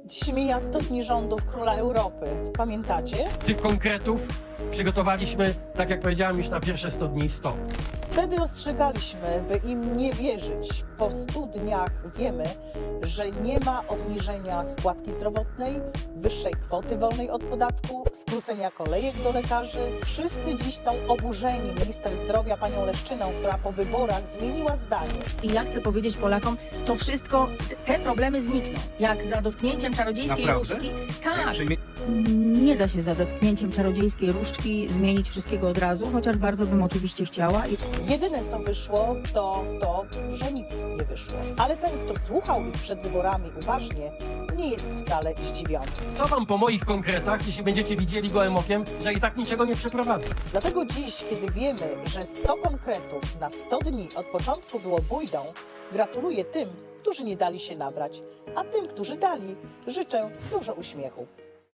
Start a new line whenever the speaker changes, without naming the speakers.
Dziś mija 100 dni rządów Króla Europy. Pamiętacie?
Tych konkretów przygotowaliśmy, tak jak powiedziałem, już na pierwsze 100 dni 100.
Wtedy ostrzegaliśmy, by im nie wierzyć. Po 100 dniach wiemy, że nie ma obniżenia składki zdrowotnej, wyższej kwoty wolnej od podatku, skrócenia kolejek do lekarzy. Wszyscy dziś są oburzeni minister zdrowia panią Leszczyną, która po wyborach zmieniła zdanie.
I ja chcę powiedzieć Polakom, to wszystko, te problemy znikną. Jak za dotknięciem czarodziejskiej
Naprawdę?
różdżki. Tak,
Czyli
nie da się za dotknięciem czarodziejskiej różdżki zmienić wszystkiego od razu, chociaż bardzo bym oczywiście chciała.
Jedyne co wyszło, to to, że nic nie wyszło. Ale ten, kto słuchał ich przed wyborami uważnie, nie jest wcale zdziwiony.
Co wam po moich konkretach, jeśli będziecie widzieli gołym okiem, że i tak niczego nie przeprowadzę?
Dlatego dziś, kiedy wiemy, że 100 konkretów na 100 dni od początku było bójdą, gratuluję tym, którzy nie dali się nabrać, a tym, którzy dali, życzę dużo uśmiechu.